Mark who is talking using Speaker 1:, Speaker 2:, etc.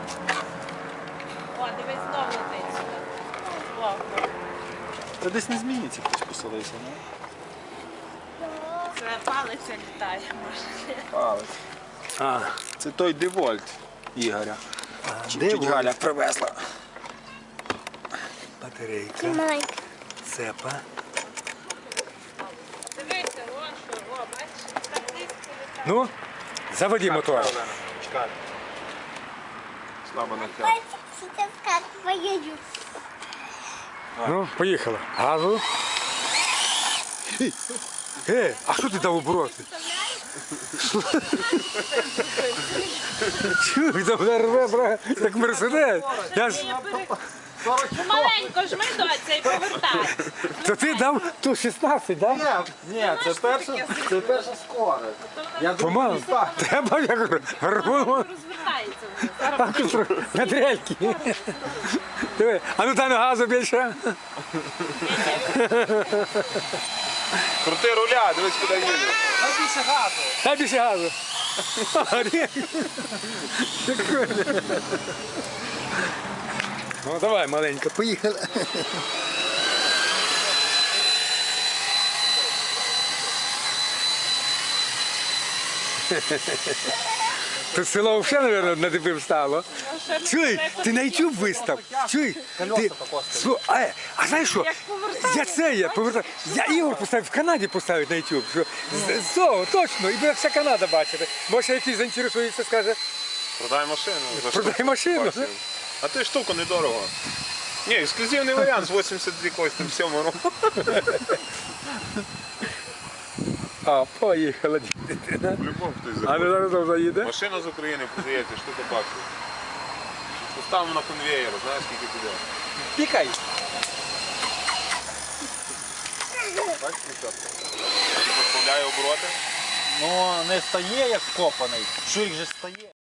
Speaker 1: О, дивись, знову летить сюди. Плавно.
Speaker 2: Та десь не зміниться, хтось поселився, не?
Speaker 1: Це палиця літає, може.
Speaker 2: Палець.
Speaker 3: А,
Speaker 2: Це той Девольт Ігоря. Чуть Галя привезла.
Speaker 3: батарейка,
Speaker 4: Маленька.
Speaker 3: цепа.
Speaker 1: Дивися, о, що, о, бачиш, так низько літає.
Speaker 3: Ну, заводи мотор.
Speaker 2: Чекай. Слабо натягнув.
Speaker 4: Сейчас как поеду.
Speaker 3: Ну, поїхала. Газу. А що ти дав обороти? Чуй, там ребра, як Мерседес. Я ж...
Speaker 1: Маленько жми, доця, і повертай.
Speaker 3: То ти дав ту 16, так? Да?
Speaker 2: Ні, це перша скорость. Я
Speaker 3: Помалу. Треба, я кажу, рвоно.
Speaker 1: Розвертається воно.
Speaker 3: На дрельки. Диви, а ну дай на газу більше.
Speaker 2: Крути руля, дивись, куди їде. Найбільше газу.
Speaker 3: Дай більше газу. Ну давай, маленько, поїхали. Тут село взагалі, мабуть, на тебе встало. Чуй, ти на YouTube вистав. Чуй, ти... А знаєш що? Я повертаю. Я Ігор поставив, в Канаді поставить на YouTube. Що, точно, і буде вся Канада бачити. Може, якийсь заінтересується, скаже,
Speaker 2: Продай машину. За
Speaker 3: продай
Speaker 2: штуку.
Speaker 3: машину.
Speaker 2: Бачив. А ти штуку недорого. Ні, ексклюзивний варіант з 82 кості в 7 року.
Speaker 3: А, поїхала дитина.
Speaker 2: Любов хтось
Speaker 3: А
Speaker 2: заходить.
Speaker 3: не зараз там заїде?
Speaker 2: Машина з України продається, штука баксів. Поставимо на конвеєр, знаєш, скільки туди.
Speaker 3: Пікай.
Speaker 2: Бачиш, дівчатка? Розбавляє обороти.
Speaker 5: Ну, не стає як копаний. Що їх же стає?